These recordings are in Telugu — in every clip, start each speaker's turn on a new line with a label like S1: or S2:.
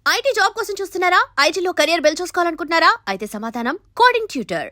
S1: ఐటీ జాబ్ కోసం చూస్తున్నారా? ఐటీలో కెరియర్ బిల్డ్ చూసుకోవాలనుకుంటున్నారా? అయితే సమాధానం కోడింగ్ ట్యూటర్.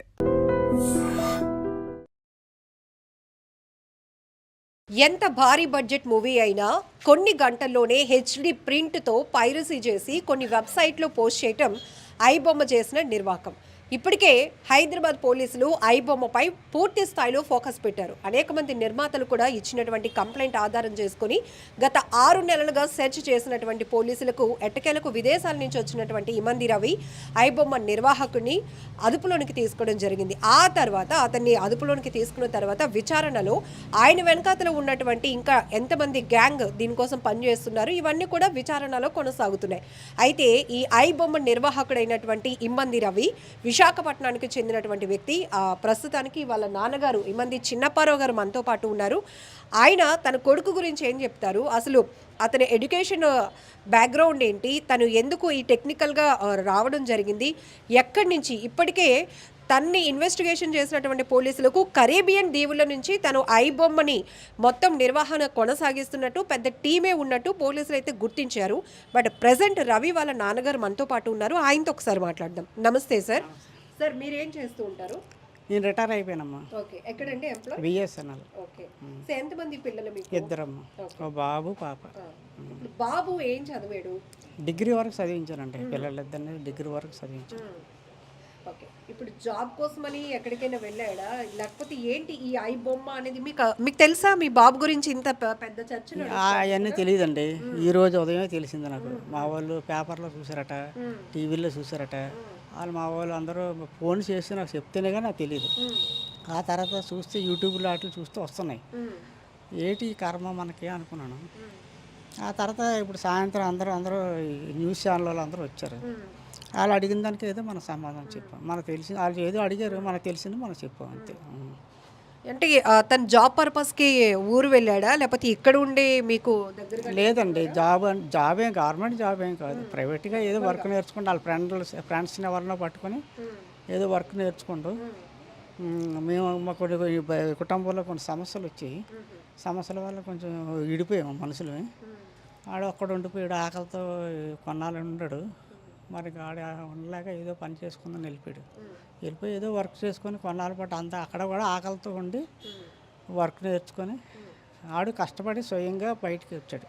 S2: ఎంత భారీ బడ్జెట్ మూవీ అయినా కొన్ని గంటల్లోనే హెచ్డి ప్రింట్తో పైరసీ చేసి కొన్ని వెబ్సైట్లో పోస్ట్ చేయటం ఐబొమ్మ చేసిన నిర్వాకం. ఇప్పటికే హైదరాబాద్ పోలీసులు ఐబొమ్మపై పూర్తి స్థాయిలో ఫోకస్ పెట్టారు. అనేక మంది నిర్మాతలు కూడా ఇచ్చినటువంటి కంప్లైంట్ ఆధారం చేసుకుని గత 6 నెలలుగా సెర్చ్ చేసినటువంటి పోలీసులకు ఎట్టకేలకు విదేశాల నుంచి వచ్చినటువంటి ఇమంది రవి ఐబొమ్మ నిర్వాహకుడిని అదుపులోనికి తీసుకోవడం జరిగింది. ఆ తర్వాత అతన్ని అదుపులోనికి తీసుకున్న తర్వాత విచారణలో ఆయన వెనకాతలో ఉన్నటువంటి ఇంకా ఎంతమంది గ్యాంగ్ దీనికోసం పనిచేస్తున్నారు, ఇవన్నీ కూడా విచారణలో కొనసాగుతున్నాయి. అయితే ఈ ఐబొమ్మ నిర్వాహకుడైనటువంటి ఇమ్మంది రవి విశాఖపట్నానికి చెందినటువంటి వ్యక్తి. ప్రస్తుతానికి వాళ్ళ నాన్నగారు ఇమ్మంది చిన్నప్పారావు గారు మనతో పాటు ఉన్నారు. ఆయన తన కొడుకు గురించి ఏం చెప్తారు, అసలు అతని ఎడ్యుకేషన్ బ్యాక్గ్రౌండ్ ఏంటి, తను ఎందుకు ఈ టెక్నికల్గా రావడం జరిగింది, ఎక్కడి నుంచి ఇప్పటికే తన్ని ఇన్వెస్టిగేషన్ చేసినటువంటి పోలీసులకు కరేబియన్ దీవుల నుంచి తను ఐబొమ్మని మొత్తం నిర్వహణ కొనసాగిస్తున్నట్టు పెద్ద టీమే ఉన్నట్టు పోలీసులు అయితే గుర్తించారు. బట్ ప్రజెంట్ రవి వాళ్ళ నాన్నగారు మనతో పాటు ఉన్నారు. ఆయనతో ఒకసారి మాట్లాడదాం. నమస్తే సార్. సార్ మీరేం చేస్తూ ఉంటారు?
S3: నేను రిటైర్ అయిపోయానమ్మా.
S2: ఓకే, ఎక్కడండి ఎంప్లాయ్?
S3: బిఎస్ఎన్ఎల్.
S2: ఓకే, సో ఎంతమంది పిల్లలు మీకు?
S3: ఇద్దరమ్మా, ఒక బాబు పాప.
S2: ఇప్పుడు బాబు ఏం చదివాడు?
S3: డిగ్రీ వరకు చదివించానండి. పిల్లలిద్దరిని డిగ్రీ వరకు చదివించాను.
S2: ఓకే, ఇప్పుడు జాబ్ కోసమని ఎక్కడికైనా వెళ్ళాడా, లేకపోతే ఏంటి ఈ ఐ బొమ్మ అనేది మీకు తెలుసా? మీ బాబు గురించి ఇంత పెద్ద చర్చ?
S3: అవన్నీ తెలియదండి. ఈరోజు ఉదయమే తెలిసింది నాకు. మా వాళ్ళు పేపర్లో చూసారట, టీవీలో చూసారట. వాళ్ళు మా వాళ్ళు అందరూ ఫోన్ చేసి నాకు చెప్తేనే కానీ నాకు తెలియదు. ఆ తర్వాత చూస్తే యూట్యూబ్లో వాటిలో చూస్తే వస్తున్నాయి. ఏంటి కర్మ మనకి అనుకున్నాను. ఆ తర్వాత ఇప్పుడు సాయంత్రం అందరూ న్యూస్ ఛానల్ వాళ్ళు అందరూ వచ్చారు. వాళ్ళు అడిగిన దానికి ఏదో మన సమాధానం చెప్పాం. మనకు తెలిసింది, వాళ్ళు ఏదో అడిగారు, మనకు తెలిసింది మనం చెప్పాం అంతే.
S2: అంటే తను జాబ్ పర్పస్కి ఊరు వెళ్ళాడా, లేకపోతే ఇక్కడ ఉండి మీకు దగ్గర?
S3: లేదండి, జాబ్ ఏం గవర్నమెంట్ జాబ్ ఏం కాదు, ప్రైవేట్గా ఏదో వర్క్ నేర్చుకుంటూ వాళ్ళ ఫ్రెండ్స్ని ఎవరినో పట్టుకొని ఏదో వర్క్ నేర్చుకుంటూ. మేము మా కొన్ని కుటుంబంలో కొన్ని సమస్యలు వచ్చాయి. సమస్యల వల్ల కొంచెం విడిపోయాము మనుషులు. ఆడ ఒక్కడ ఉండిపోయాడు, ఆకలితో కొన్నాళ్ళు ఉన్నాడు. మరి ఆడ ఉండలేక ఏదో పని చేసుకుందని వెళ్ళిపోయి ఏదో వర్క్ చేసుకొని కొన్నాళ్ళ పాటు అంతా అక్కడ కూడా ఆకలితో ఉండి వర్క్ నేర్చుకొని ఆడు కష్టపడి స్వయంగా బయటికి వచ్చాడు.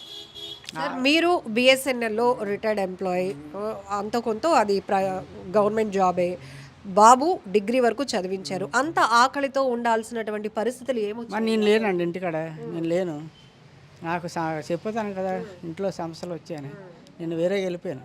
S2: మీరు బిఎస్ఎన్ఎల్లో రిటైర్డ్ ఎంప్లాయీ, అంత కొంత అది గవర్నమెంట్ జాబే. బాబు డిగ్రీ వరకు చదివించారు. అంత ఆకలితో ఉండాల్సినటువంటి పరిస్థితులు ఏమొచ్చాయి?
S3: నేను లేనండి ఇంటికాడ, నేను లేను. నాకు చెప్పుతాను కదా ఇంట్లో సమస్యలు వచ్చాయని, నేను వేరే వెళ్ళిపోయాను.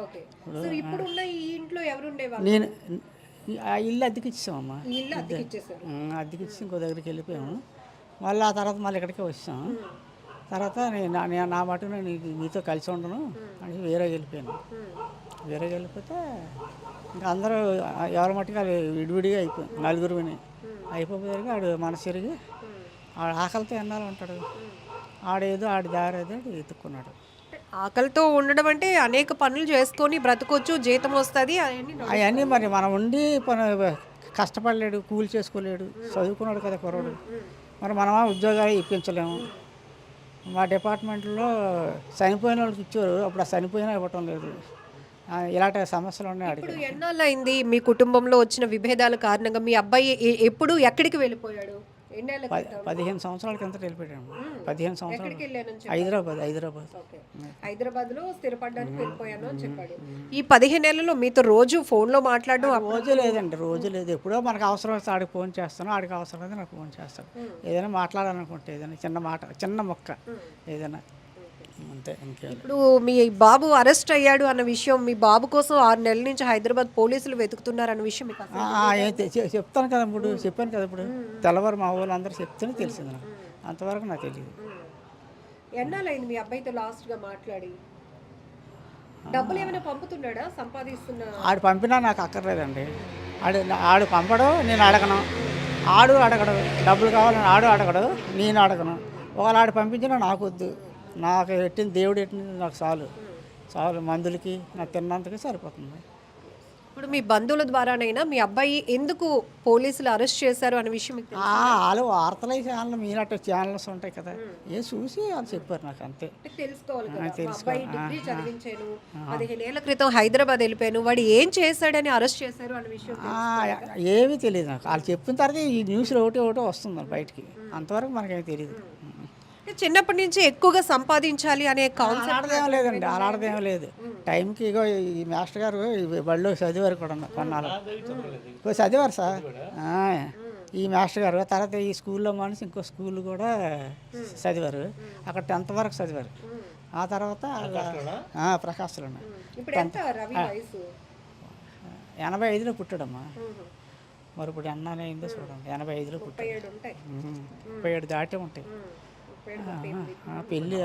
S3: నేను ఆ ఇల్లు అద్దెకి ఇచ్చామమ్మా. అద్దెకి ఇచ్చి ఇంకో దగ్గరికి వెళ్ళిపోయాము. మళ్ళీ ఆ తర్వాత మళ్ళీ ఇక్కడికే వచ్చాము. తర్వాత నేను నా మటుకు నేను మీతో కలిసి ఉండను అని వేరే వెళ్ళిపోయాను. వేరే వెళ్ళిపోతే ఇంకా అందరూ ఎవరి మట్టుకు విడివిడిగా అయిపోయాం. నలుగురు అయిపోయేసరికి ఆడు మనసు తిరిగి ఆడు ఆకలితో ఎన్నాళ్ళు ఉంటాడు. ఆడేదో ఆడి దారి ఏదో ఎత్తుక్కున్నాడు.
S2: ఆకలితో ఉండడం అంటే అనేక పనులు చేసుకొని బ్రతకొచ్చు, జీతం వస్తుంది,
S3: అవన్నీ మరి మనం ఉండి కష్టపడలేడు, కూలి చేసుకోలేడు, చదువుకున్నాడు కదా కుర్రాడు. మరి మనమా ఉద్యోగాలు ఇప్పించలేము. మా డిపార్ట్మెంట్లో చనిపోయిన వాళ్ళకి ఇచ్చారు, అప్పుడు ఆ చనిపోయినా ఇవ్వటం లేదు. ఇలాంటి సమస్యలు ఉన్నాయి. అడిగి
S2: ఎన్నాళ్ళు అయింది మీ కుటుంబంలో వచ్చిన విభేదాల కారణంగా మీ అబ్బాయి ఎప్పుడు ఎక్కడికి వెళ్ళిపోయాడు?
S3: 15 సంవత్సరాల కింద వెళ్ళిపోయాము. 15 సంవత్సరాలు
S2: హైదరాబాద్లో స్థిరపడడానికి వెళ్ళిపోయాను అని చెప్పాడు. ఈ 15 నెలల్లో మీతో రోజు ఫోన్లో మాట్లాడడం?
S3: రోజు లేదండి, రోజు లేదు. ఎప్పుడో మనకు అవసరం వస్తే ఆడికి ఫోన్ చేస్తాను, ఆడికి అవసరం అయితే నాకు ఫోన్ చేస్తాను. ఏదైనా మాట్లాడాలనుకుంటే ఏదైనా చిన్న మాట, చిన్న మొక్క ఏదైనా అంతే.
S2: ఇప్పుడు మీ బాబు అరెస్ట్ అయ్యాడు అన్న విషయం, మీ బాబు కోసం 6 నెలల నుంచి హైదరాబాద్ పోలీసులు వెతుకుతున్నారు అన్న విషయం మీకు
S3: చెప్తాను కదా, చెప్పాను కదా. ఇప్పుడు తెల్లవారు మా వాళ్ళు అందరూ చెప్తేనే తెలిసింది నాకు, అంతవరకు నాకు తెలియదు.
S2: ఎన్నాళ్ళైంది మీ అబ్బాయితో లాస్ట్గా మాట్లాడి? డబ్బులు ఏమైనా పంపుతున్నాడా, సంపాదిస్తున్నా?
S3: ఆడు పంపినా నాకు అక్కర్లేదండి. ఆడు పంపడు, నేను అడగను. ఆడు అడగడు, డబ్బులు కావాలని ఆడు అడగడు, నేను అడగను. ఒకవేళ ఆడు పంపించినా నాకు వద్దు. నాకు దేవుడు ఎట్టింది నాకు చాలు మందులకి నాకు తిన్నంతకి సరిపోతుంది.
S2: ఇప్పుడు మీ బంధువుల ద్వారానైనా మీ అబ్బాయి ఎందుకు పోలీసులు అరెస్ట్ చేశారు అనే విషయం మీకు తెలుసా?
S3: వాళ్ళు వార్తలు ఛానల్ మీనట్టు ఛానల్స్ ఉంటాయి కదా ఏ చూసి వాళ్ళు చెప్పారు నాకు అంతే.
S2: అంటే తెలుసుకోవాలి కదా. మా
S3: తెలుసుకోవాలి.
S2: అబ్బాయి డిగ్రీ చదివించాను 15 ఏళ్ల క్రితం హైదరాబాద్ వెళ్ళిపోయాను వాడు ఏం చేశాడని అరెస్ట్ చేశారు అనే విషయం
S3: ఏమీ తెలియదు నాకు. వాళ్ళు చెప్పిన తర్వాత ఈ న్యూస్లో ఒకటి వస్తుంది బయటికి, అంతవరకు మనకేమీ తెలియదు.
S2: అంటే చిన్నప్పటి నుంచి ఎక్కువగా సంపాదించాలి అనే కాన్సెప్ట్
S3: అలాడదేం లేదండి, అలాడదేం లేదు. టైంకి ఇగో ఈ మాస్టర్ గారు ఈ బడిలో చదివారు కూడా కొన్నాళ్ళు చదివారు సార్. ఈ మాస్టర్ గారు తర్వాత ఈ స్కూల్లో మనిషి ఇంకో స్కూల్ కూడా చదివారు, అక్కడ 10th వరకు చదివారు. ఆ తర్వాత ప్రకాశ్లో
S2: ఇప్పుడు ఎంత రవి వయసు
S3: 85లో పుట్టాడమ్మా. మరి ఇప్పుడు ఎన్నాళ్ళు అయిందో చూడండి, 85లో పుట్టాడు.
S2: 37 ఉంటాయి
S3: 37 దాటే ఉంటాయి. పెళ్ళి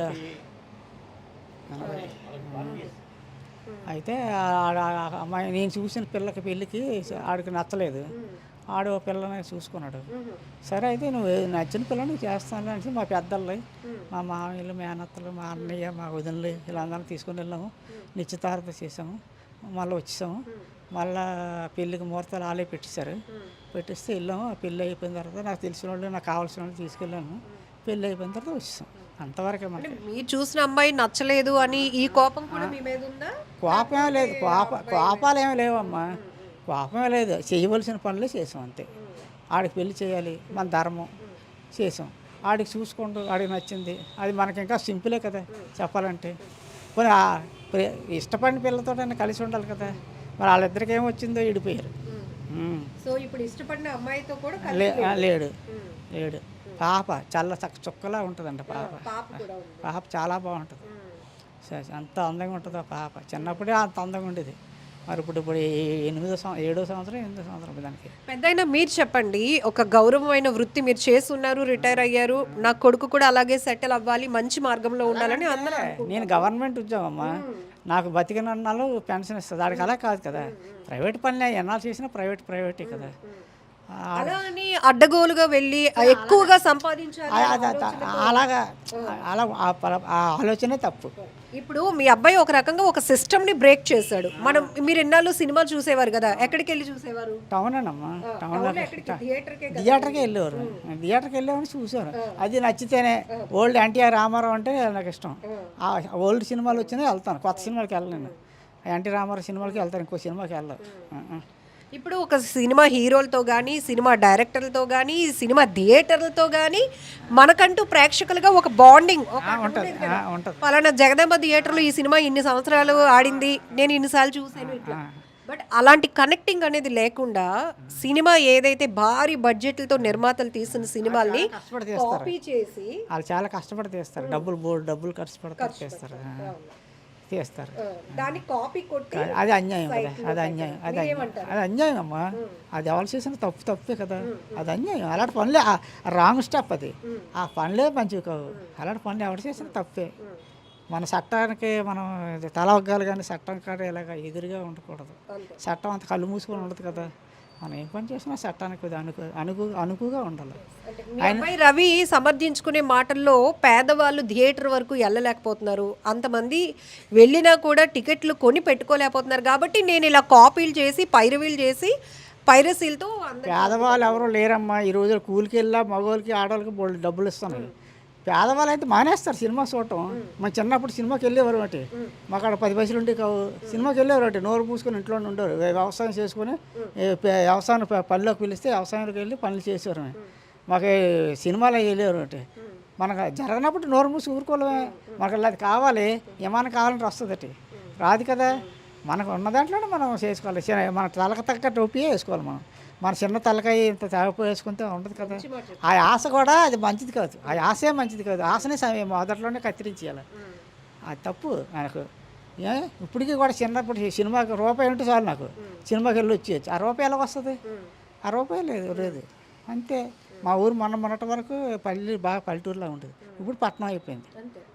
S3: అయితే అమ్మాయి నేను చూసిన పిల్లకి పెళ్ళికి ఆడికి నచ్చలేదు, ఆడు పిల్లని చూసుకున్నాడు. సరే అయితే నువ్వు నచ్చిన పిల్లని చేస్తాను అంటే మా పెద్దలు, మా మామయ్యలు, మేనత్తలు, మా అన్నయ్య, మా వదినలు వీళ్ళందరినీ తీసుకొని వెళ్ళాము. నిశ్చితార్థ చేసాము, మళ్ళీ వచ్చేసాము. మళ్ళీ పెళ్ళికి ముహూర్తాలు వాళ్ళే పెట్టేశారు. పెట్టిస్తే వెళ్ళాము. ఆ పెళ్ళి అయిపోయిన తర్వాత నాకు తెలిసిన వాళ్ళు, నాకు కావాల్సిన వాళ్ళు తీసుకెళ్ళాము. పెళ్ళి అయిపోయిన తర్వాత వచ్చేసాం. అంతవరకే మనకి.
S2: మీరు చూసిన అమ్మాయి నచ్చలేదు అని ఈ కోపం కూడా మీ మీద ఉందా?
S3: కోపమే లేదు, కోపాలు ఏమీ లేవమ్మా, కోపమే లేదు. చేయవలసిన పనులే చేసాం అంతే. ఆడికి పెళ్లి చేయాలి, మన ధర్మం చేసాం. ఆడికి చూసుకోండు, ఆడికి నచ్చింది, అది మనకి ఇంకా సింపులే కదా చెప్పాలంటే. పోనీ ఇష్టపడిన పిల్లతోటైనా కలిసి ఉండాలి కదా. మరి వాళ్ళిద్దరికి ఏమొచ్చిందో విడిపోయారు.
S2: సో ఇప్పుడు ఇష్టపడిన అమ్మాయితో కూడా
S3: లేడు లేడు. పాప చాలా చుక్కలా ఉంటుందండి. పాప చాలా బాగుంటుంది, అంత అందంగా ఉంటుంది ఆ పాప. చిన్నప్పుడే అంత అందంగా ఉండేది. మరి ఇప్పుడు 7వ సంవత్సరం దానికి.
S2: పెద్దయినా మీరు చెప్పండి, ఒక గౌరవమైన వృత్తి మీరు చేస్తున్నారు, రిటైర్ అయ్యారు, నా కొడుకు కూడా అలాగే సెటిల్ అవ్వాలి, మంచి మార్గంలో ఉండాలని అందరూ
S3: నేను గవర్నమెంట్ ఉద్యోగం అమ్మా, నాకు బతికినన్నాళ్ళు పెన్షన్ ఇస్తుంది. దానికి అలా కాదు కదా, ప్రైవేట్ పనులే ఎన్నాళ్ళు చేసినా ప్రైవేటే కదా.
S2: అలా అని అడ్డగోలుగా వెళ్ళి ఎక్కువగా సంపాదించాలి
S3: అలాగా అలా ఆ ఆలోచనే తప్పు.
S2: ఇప్పుడు మీ అబ్బాయి ఒక రకంగా ఒక సిస్టమ్ ని బ్రేక్ చేశాడు. మీరు ఎన్నాళ్ళు సినిమా చూసేవారు కదా, ఎక్కడికి వెళ్ళి చూసేవారు?
S3: టౌన్ అమ్మా, థియేటర్కి వెళ్ళేవారు. థియేటర్కి వెళ్ళేవారు, చూసేవారు. అది నచ్చితేనే. ఓల్డ్ ఎన్టీఆర్ రామారావు అంటే నాకు ఇష్టం. ఆ ఓల్డ్ సినిమాలు వచ్చినా వెళ్తాను, కొత్త సినిమాలకి వెళ్ళను. ఎన్టీ రామారావు సినిమాలకి వెళ్తాను, ఇంకో సినిమాకి వెళ్ళను.
S2: ఇప్పుడు ఒక సినిమా హీరోలతో కానీ, సినిమా డైరెక్టర్లతో కానీ, సినిమా థియేటర్లతో కానీ మనకంటూ ప్రేక్షకులుగా ఒక బాండింగ్
S3: ఉంటుంది.
S2: పలానా జగదాంబ థియేటర్లో ఈ సినిమా ఇన్ని సంవత్సరాలు ఆడింది, నేను ఇన్నిసార్లు చూసాను. బట్ అలాంటి కనెక్టింగ్ అనేది లేకుండా సినిమా ఏదైతే భారీ బడ్జెట్లతో నిర్మాతలు తీసిన సినిమాల్ని కాపీ చేసి
S3: వాళ్ళు చాలా కష్టపడి తీస్తారు, డబ్బులు ఖర్చు పెడతారు, తీస్తారు.
S2: దాన్ని కాపీ కొట్టి
S3: అది అన్యాయం కదా, అది అన్యాయం అమ్మా. అది ఎవరు చేసిన తప్పే కదా, అది అన్యాయం. అలాంటి పనులే రాంగ్ స్టెప్, అది ఆ పనులే మంచివి కావు. అలాంటి పనులు ఎవరు చేసిన తప్పే. మన చట్టానికి మనం తల ఒగ్గాలి, కానీ చట్టం కాడ ఇలాగ ఎదురుగా ఉండకూడదు. చట్టం అంత కళ్ళు మూసుకొని ఉండదు కదా. మనం ఏం పని చేసినా చట్టానికి అనుకుగా ఉండాలి.
S2: అబ్బాయి రవి సమర్థించుకునే మాటల్లో పేదవాళ్ళు థియేటర్ వరకు వెళ్ళలేకపోతున్నారు, అంతమంది వెళ్ళినా కూడా టికెట్లు కొని పెట్టుకోలేకపోతున్నారు, కాబట్టి నేను ఇలా కాపీలు చేసి పైరసీలతో.
S3: పేదవాళ్ళు ఎవరు లేరమ్మా ఈ రోజులు. కూలికి వెళ్ళా మగవాళ్ళకి ఆడవాళ్ళకి డబ్బులు ఇస్తున్నారు. పేదవాళ్ళు అయితే మానేస్తారు సినిమా చూడటం. మన చిన్నప్పుడు సినిమాకి వెళ్ళేవారు అంటే, మాకు అక్కడ 10 పైసలు ఉండే కావు. సినిమాకి వెళ్ళేవారు అంటే నోరు పూసుకొని ఇంట్లోనే ఉండేవారు. వ్యవసాయం చేసుకొని వ్యవసాయం పనిలోకి పిలిస్తే వ్యవసాయంలోకి వెళ్ళి పనులు చేసేవారు. మాకు సినిమాలో వెళ్ళేవారు అంటే, మనకు జరగనప్పుడు నోరు మూసి ఊరుకోలేమే. మనకు అది కావాలి, ఏమైనా కావాలంటే వస్తుంది, రాదు కదా. మనకు ఉన్న దాంట్లోనే మనం చేసుకోవాలి. మన తలకు తగ్గ టోపీయే వేసుకోవాలి. మన చిన్న తలకాయ ఇంత తేగపు వేసుకుంటే ఉండదు కదా. ఆ ఆశ కూడా అది మంచిది కాదు, ఆ ఆశే మంచిది కాదు. ఆశనే మొదట్లోనే కత్తిరించేయాలి, అది తప్పు నాకు. ఇప్పటికీ కూడా చిన్నప్పుడు సినిమాకి రూపాయి ఉంటే చాలు, నాకు సినిమాకి వెళ్ళి వచ్చేయచ్చు. ఆ రూపాయి ఎలా వస్తుంది? ఆ రూపాయి లేదు అంతే. మా ఊరు మొన్నటి వరకు బాగా పల్లెటూరులా ఉండేది, ఇప్పుడు పట్టణం అయిపోయింది.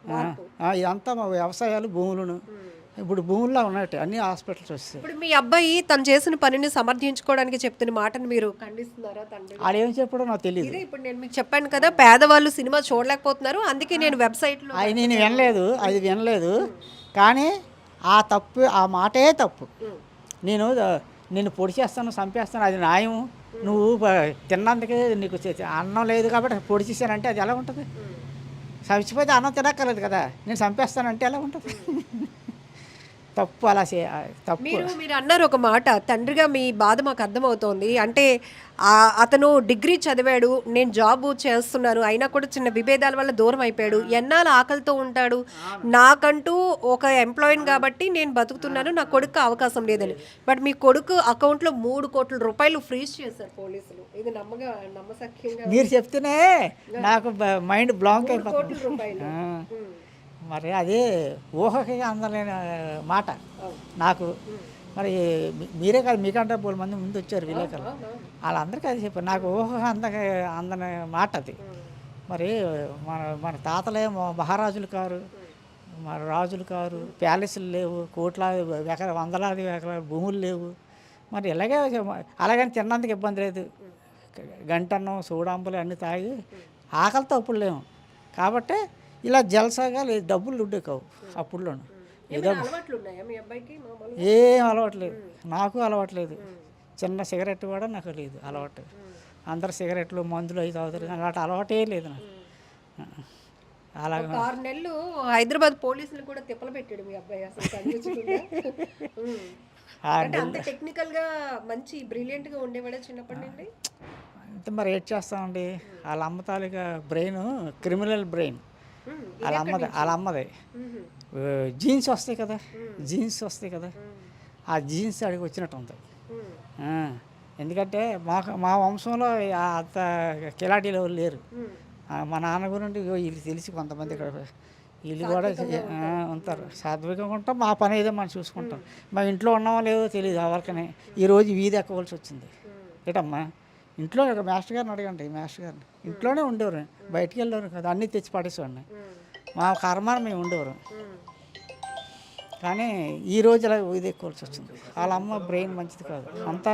S3: ఇదంతా మా వ్యవసాయాలు, భూములను ఇప్పుడు భూముల్లో ఉన్నట్టు అన్ని హాస్పిటల్స్ వస్తాయి.
S2: ఇప్పుడు మీ అబ్బాయి తను చేసిన పనిని సమర్థించుకోవడానికి చెప్తున్న మాటను మీరు ఖండిస్తున్నారా?
S3: అది ఏం చెప్పడం నాకు తెలియదు.
S2: ఇప్పుడు నేను మీకు చెప్పాను కదా, పేదవాళ్ళు సినిమా చూడలేకపోతున్నారు, అందుకే నేను వెబ్సైట్లో
S3: నేను వినలేదు. కానీ ఆ మాటే తప్పు. నేను నిన్ను పొడి చేస్తాను చంపేస్తాను అది న్యాయం. నువ్వు తిన్నందుకే నీకు అన్నం లేదు కాబట్టి పొడి చేశానంటే అది ఎలా ఉంటుంది? చచ్చిపోతే అన్నం తినక్కర్లేదు కదా, నేను చంపేస్తానంటే ఎలా ఉంటుంది? తప్పు అలా తప్పు.
S2: మీరు అన్నారు ఒక మాట, తండ్రిగా మీ బాధ మాకు అర్థమవుతోంది. అంటే అతను డిగ్రీ చదివాడు, నేను జాబ్ చేస్తున్నాను, అయినా కూడా చిన్న విభేదాల వల్ల దూరం అయిపోయాడు. ఎన్నాళ్ళు ఆకలితో ఉంటాడు, నాకంటూ ఒక ఎంప్లాయీని కాబట్టి నేను బతుకుతున్నాను, నా కొడుకు అవకాశం లేదని. బట్ మీ కొడుకు అకౌంట్లో 3 కోట్ల రూపాయలు ఫ్రీజ్ చేశారు పోలీసులు. ఇది నమ్మసక్యంగా
S3: మీరు చెప్తేనే నాకు మైండ్ బ్లాంక్
S2: 3 కోట్ల
S3: అయిపోతుంది.
S2: రూపాయలు.
S3: మరి అదే ఊహకి అందలేని మాట నాకు. మరి మీరే కాదు, మీకంటే 4 మంది ముందు వచ్చారు విలేకరులు, వాళ్ళందరికీ అది చెప్పారు. నాకు ఊహ అందని మాట అది. మరి మన తాతలే మహారాజులు కారు, మన రాజులు కారు, ప్యాలెస్లు లేవు, కోట్లాది వందలాది ఎకరాల భూములు లేవు. మరి అలాగని తిన్నందుకు ఇబ్బంది లేదు. గంటన్నం సూడాంబులు అన్నీ తాగి ఆకలితో అప్పుడు లేము కాబట్టి ఇలా జలసాగా లేదు, డబ్బులు ఉండే కావు అప్పుడులోను. ఏదో ఏం అలవాట్లేదు, నాకు అలవాట్లేదు. చిన్న సిగరెట్ కూడా నాకు లేదు అలవాటు. అందరు సిగరెట్లు మందులు అవి తాగుతారు, అలాంటి అలవాటే లేదు నాకు. అలాగే
S2: 6 నెలలు హైదరాబాద్ పోలీసులు కూడా తిప్పలు పెట్టాడు మీ అబ్బాయి. అసలు అంత టెక్నికల్ గా మంచి బ్రిలియంట్ గా ఉండేవాడే చిన్నప్పటి నుండి.
S3: అంతే మరి ఏం చేస్తామండి, వాళ్ళ అమ్మ తాలూకా బ్రెయిన్ క్రిమినల్ బ్రెయిన్. వాళ్ళ అమ్మది జీన్స్ వస్తాయి కదా, ఆ జీన్స్ అడిగి వచ్చినట్టు ఉంది. ఎందుకంటే మా వంశంలో అంత కిలాటీలు ఎవరు లేరు. మా నాన్న గురించి వీళ్ళు తెలిసి కొంతమంది ఇక్కడ వీళ్ళు కూడా ఉంటారు. సాత్వికంగా ఉంటాం, మా పని ఏదో మనం చూసుకుంటాం. మా ఇంట్లో ఉన్నామో లేదో తెలియదు ఎవరికనే. ఈరోజు వీధి ఎక్కవలసి వచ్చింది. ఏటమ్మా ఇంట్లో ఒక మాస్టర్ గారిని అడగండి, మాస్టర్ గారిని ఇంట్లోనే ఉండేవారు, బయటికి వెళ్ళేవారు కదా, అన్నీ తెచ్చి పడేసేవాడిని. మా కర్మాన్ని మేము ఉండేవారు. కానీ ఈరోజు ఇలా ఇది ఎక్కువలసి వచ్చింది. వాళ్ళ అమ్మ బ్రెయిన్ మంచిది కాదు, అంతా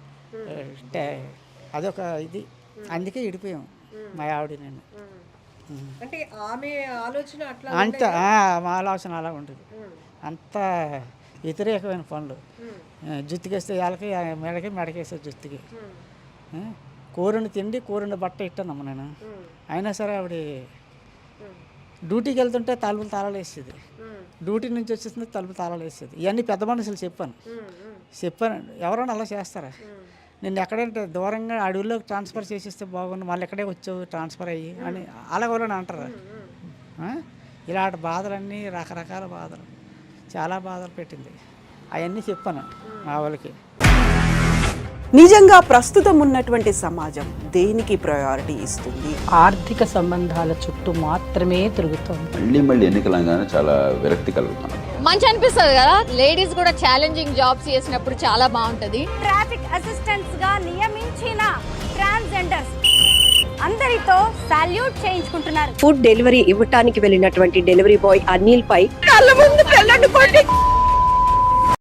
S3: అదొక ఇది. అందుకే విడిపోయాం మా ఆవిడ నేను.
S2: అంటే ఆమె ఆలోచన అట్లా
S3: అంత మా ఆలోచన అలా ఉంటుంది. అంత వ్యతిరేకమైన పనులు. జుత్తుకేస్తే వాళ్ళకి మెడకేస్తే జుత్తుకి. కూరని తిండి కూరని బట్ట ఇట్టానమ్మ నేను. అయినా సరే ఆవిడ డ్యూటీకి వెళ్తుంటే తలుపులు తాళాలు వేసేది, డ్యూటీ నుంచి వచ్చేసింది తలుపులు తాళాలు వేసేది. ఇవన్నీ పెద్ద మనుషులు చెప్పాను. ఎవరైనా అలా చేస్తారా? నేను ఎక్కడంటే దూరంగా అడవుల్లోకి ట్రాన్స్ఫర్ చేసేస్తే బాగుండు, మళ్ళీ ఎక్కడే వచ్చావు ట్రాన్స్ఫర్ అయ్యి అని అలాగోలని అంటారు. ఇలాంటి బాధలన్నీ రకరకాల బాధలు, చాలా బాధలు పెట్టింది. అవన్నీ చెప్పాను మా వాళ్ళకి.
S4: నిజంగా ప్రస్తుతం ఉన్నటువంటి సమాజం దేనికి ప్రయారిటీ ఇస్తుంది?
S5: ఆర్థిక సంబంధాల చుట్టూ మాత్రమే తిరుగుతుంది.
S6: మళ్ళీ ఎన్నికలంగానే చాలా విరక్తి కలుగుతున్నాం.
S7: మంచి అనిపిస్తుంది కదా, లేడీస్ కూడా ఛాలెంజింగ్ జాబ్స్ చేసినప్పుడు చాలా బాగుంటది.
S8: ట్రాఫిక్ అసిస్టెంట్స్ గా నియమించిన ట్రాన్స్జెండర్స్ అందరితో సాల్యూట్ చేయించుకుంటున్నారు.
S2: ఫుడ్ డెలివరీ ఇవ్వటానికి వెళ్ళినటువంటి డెలివరీ బాయ్ అనిల్ పై కళ్ళ ముందు